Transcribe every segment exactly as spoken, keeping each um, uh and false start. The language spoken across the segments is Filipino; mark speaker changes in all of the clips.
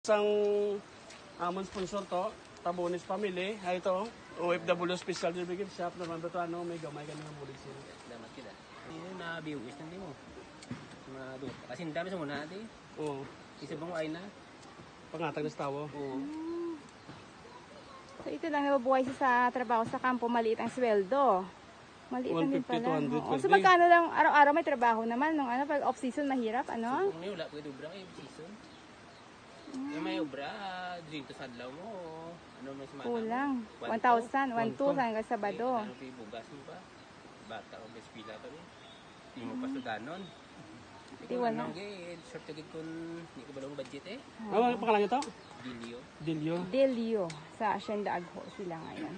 Speaker 1: Isang amon sponsor to, Tabones Family. Ay ito, O F W Special Delivery Shop naman ba ito, ano, may gamay ka nga mulig sila.
Speaker 2: Damat kita. Ini na biwis nanti mo. Madut. Kasi dami sa muna ati.
Speaker 1: Oo,
Speaker 2: Isa bang ay na?
Speaker 1: pangatag na stawo.
Speaker 2: Oo.
Speaker 3: So ito lang nababuhay siya sa trabaho sa kampo, maliit ang sweldo. Maliit lang din
Speaker 1: one fifty to
Speaker 3: pala.
Speaker 1: one hundred
Speaker 3: Oo.
Speaker 1: per
Speaker 3: So
Speaker 1: day.
Speaker 3: magkano lang araw-araw may trabaho naman nung ano pag off season mahirap ano?
Speaker 2: Kung wala pwede ubra kay season. Yung may ubra, dito sa adlaw mo. Ano may semana?
Speaker 3: Kulang.
Speaker 2: One
Speaker 3: one thousand, one
Speaker 1: One
Speaker 3: two
Speaker 1: two.
Speaker 3: hanggang Sabado.
Speaker 2: Ano pa bugas mo pa? Bata o bespila pa rin. Hindi mo pa sudanon.
Speaker 3: Di wala.
Speaker 2: Ano gay, short agad kung hindi ko balong budget eh.
Speaker 1: Ano ang pangalan nito?
Speaker 2: Dilio.
Speaker 1: Dilio.
Speaker 3: Delio sa Hacienda Agho sila ngayon.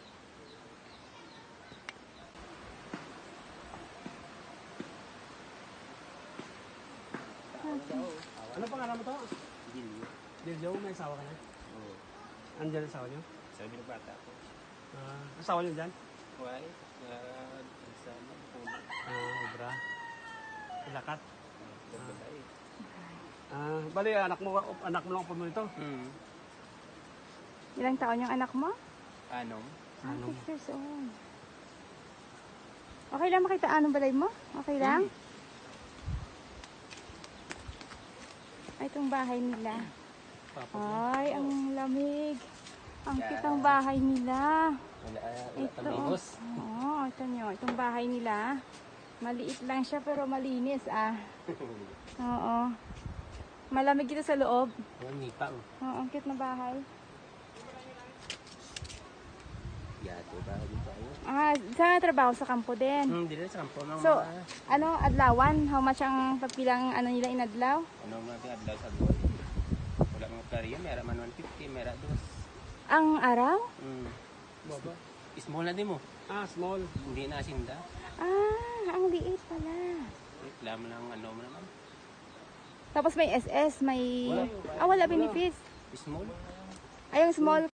Speaker 1: Ano pangalan mo to?
Speaker 2: Dilio.
Speaker 1: Dilio, may asawa ka na?
Speaker 2: Oo.
Speaker 1: Andyan ang asawa niyo?
Speaker 2: Sabi ng bata ko.
Speaker 1: Ah, asawa niyo dyan?
Speaker 2: Why? Uh, sa ano, puno.
Speaker 1: Ah, obra. Ilakat.
Speaker 2: Babatay.
Speaker 1: Ah, bali, anak mo, anak mo lang po mo ito.
Speaker 2: Hmm.
Speaker 3: Ilang taon yung anak mo?
Speaker 2: Anong?
Speaker 3: Ah,
Speaker 1: Ano?
Speaker 3: six years old. Okay lang makita anong balay mo? Okay lang? Ay, itong bahay nila.
Speaker 1: Papa.
Speaker 3: Ay, ang lamig. Ang
Speaker 2: Yeah.
Speaker 3: kitang bahay nila.
Speaker 2: Wala, wala
Speaker 3: Ito.
Speaker 2: tamigos.
Speaker 3: Oo, ito nyo. Itong bahay nila. Maliit lang siya pero malinis ah. Oo. Malamig dito sa loob.
Speaker 2: Walang nipa mo.
Speaker 3: Oo, ang cute na bahay.
Speaker 2: Yato ba? Dito tayo.
Speaker 3: Ah, sa trabaho sa kampo din.
Speaker 2: Hmm, dito sa kampo ng
Speaker 3: So,
Speaker 2: mga...
Speaker 3: ano, adlawan? How much ang pagpilang ano nila inadlaw?
Speaker 2: Ano mga adlaw sa goal. Wala mga karya. Mera man one fifty, mera dos.
Speaker 3: Ang araw?
Speaker 2: Hmm.
Speaker 1: Baba.
Speaker 2: Small na din mo.
Speaker 1: Ah, small.
Speaker 2: Hindi na asinda.
Speaker 3: Ah, ang liit pala.
Speaker 2: Reklamo lang ano mo naman.
Speaker 3: Tapos may S S, may...
Speaker 2: Wala.
Speaker 3: Ah, wala benefits.
Speaker 2: Small.
Speaker 3: Ay, yung small,